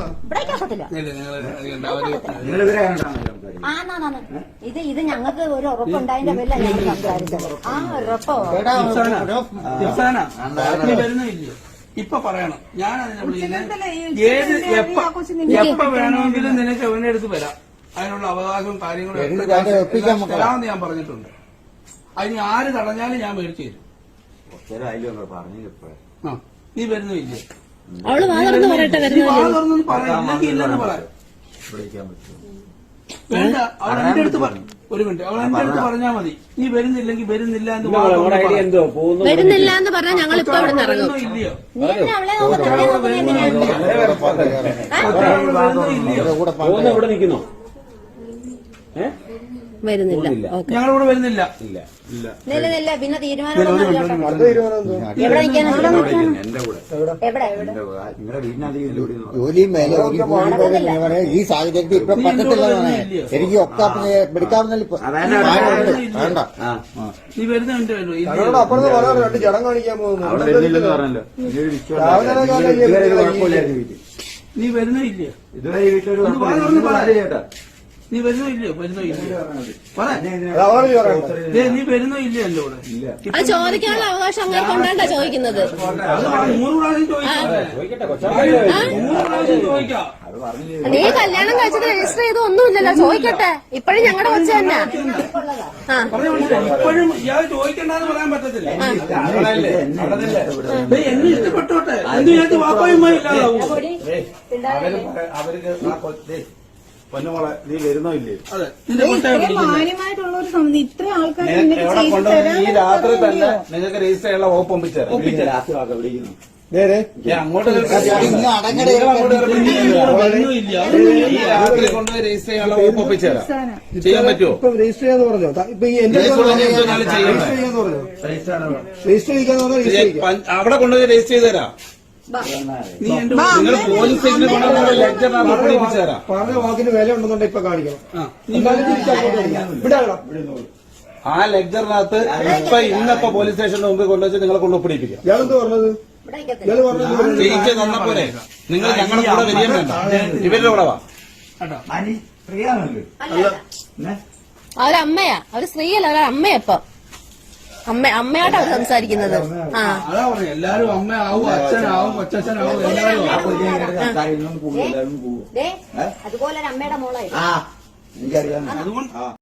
ഒക്കത്തില്ല. ഇത് ഞങ്ങൾക്ക് ഒരു ഉറപ്പുണ്ടായതിന്റെ പേരില ഞാൻ സംസാരിച്ചത്. ആ ഉറപ്പോ ഇപ്പൊ പറയണം. ഞാൻ ഏത് എപ്പ വേണമെങ്കിലും നിനക്ക് അവന്റെ അടുത്ത് വരാം. അതിനുള്ള അവകാശവും കാര്യങ്ങളും തരാമെന്ന് ഞാൻ പറഞ്ഞിട്ടുണ്ട്. അതിന് ആര് തടഞ്ഞാലും ഞാൻ മേടിച്ചു തരും. നീ വരുന്നില്ലേ? അവള് വാതുറന്ന് പറയട്ടെ. വാതുറന്നൊന്നും പറയാം, ഇല്ലെന്ന് പറയാം. വേണ്ട, അവൾ എന്റെ അടുത്ത് ഒരു മിനിറ്റ്, അവൾ എന്റെ അടുത്ത് പറഞ്ഞാൽ മതി. നീ വരുന്നില്ലെങ്കിൽ വരുന്നില്ല എന്ന് വരുന്നില്ല എന്ന് പറഞ്ഞാൽ ഞങ്ങൾ ഇപ്പൊ ഇവിടെ ഇറങ്ങും. ഇല്ലയോ? ഇവിടെ നിൽക്കുന്നോ? വരുന്നില്ല. ഞങ്ങളിവിടെ വരുന്നില്ല. നില പിന്നെ തീരുമാനം ജോലിയും മേലെ ഈ സാഹചര്യത്തിൽ ഇപ്പൊ പറ്റത്തില്ലെന്നാണ് എനിക്ക് ഒക്കെ എടുക്കാവുന്ന വേണ്ട. നീ വരുന്നുണ്ട് അപ്പുറത്ത് പറയാറ് രണ്ട് ജടം കാണിക്കാൻ പോകുന്നു. നീ വരുന്നില്ല. ഇതുവരെ വീട്ടിലൊരു ചേട്ടാ നീ വരുന്നോ ഇല്ലയോ? വരുന്നോ ഇല്ലയോ? നീ വരുന്നോ ഇല്ലയോ എന്റെ കൂടെ? അത് ചോദിക്കാനുള്ള അവകാശം അങ്ങനെ കൊണ്ടാണ്ടാ ചോദിക്കുന്നത്. 100 പ്രാവശ്യം ചോദിക്കാം. നീ കല്യാണം കഴിച്ചത് രജിസ്റ്റർ ചെയ്ത് ഒന്നുമില്ലല്ലോ. ചോദിക്കട്ടെ. ഇപ്പഴും ഞങ്ങളുടെ കൊച്ച തന്നെ. ഇപ്പോഴും ഇയാൾ ചോദിക്കണ്ടെന്ന് പറയാൻ പറ്റത്തില്ല. എന്നെ ഇഷ്ടപ്പെട്ടോട്ടെ. എന്ത് വാപ്പായുമായി ഇല്ലാതാവും. പൊന്നുമോളെ നീ വരുന്നോ ഇല്ലേ? മാന്യമായിട്ടുള്ള ഒരു സമിതി ഇത്ര ആൾക്കാർ എവിടെ കൊണ്ടുവന്ന് ഈ രാത്രി തന്നെ നിങ്ങൾക്ക് രജിസ്റ്റർ ചെയ്യാനുള്ള വകുപ്പ് ഒപ്പിച്ചേരാം. അങ്ങോട്ട് ഈ രാത്രി കൊണ്ടുപോയി രജിസ്റ്റർ ചെയ്യാനുള്ള വകുപ്പ് ഒപ്പിച്ചേരാം. ചെയ്യാൻ പറ്റുമോ? രജിസ്റ്റർ ചെയ്യാന്ന് പറഞ്ഞോ? അവിടെ കൊണ്ടുപോയി രജിസ്റ്റർ ചെയ്ത് തരാം. നിങ്ങൾ പോലീസ് സ്റ്റേഷനിൽ കൊണ്ടുവന്ന ലെക്ചറിനകത്ത് ഒപ്പിടിപ്പിച്ചു തരാം. പറഞ്ഞ വാക്കിന് വില ഉണ്ടെന്നുണ്ടെ ഇപ്പൊ കാണിക്കണം. ആ ലെക്ചറിനകത്ത് ഇന്നിപ്പോ പോലീസ് സ്റ്റേഷന്റെ മുമ്പിൽ കൊണ്ടുവച്ച് നിങ്ങളെ കൊണ്ട് ഒപ്പിടിപ്പിക്കാം. ഇയാളെന്ത് പറഞ്ഞത്? ജയിച്ച് തന്നപ്പോലെ നിങ്ങൾ ഞങ്ങളുടെ കൂടെ വരികയും വേണ്ട. ഇവരുടെ കൂടെ വാ. അവരമ്മയാ, അവര് സ്ത്രീയല്ല, അവരമ്മയപ്പൊ അമ്മയായിട്ട് അവർ സംസാരിക്കുന്നത്. അതാ പറഞ്ഞു, എല്ലാരും അമ്മയാവും, അച്ഛനാവും, കൊച്ചച്ഛനാവും, എല്ലാവരും. അതുപോലെ ഒരു അമ്മയുടെ മോളായി എനിക്കറിയാം. അതുകൊണ്ട്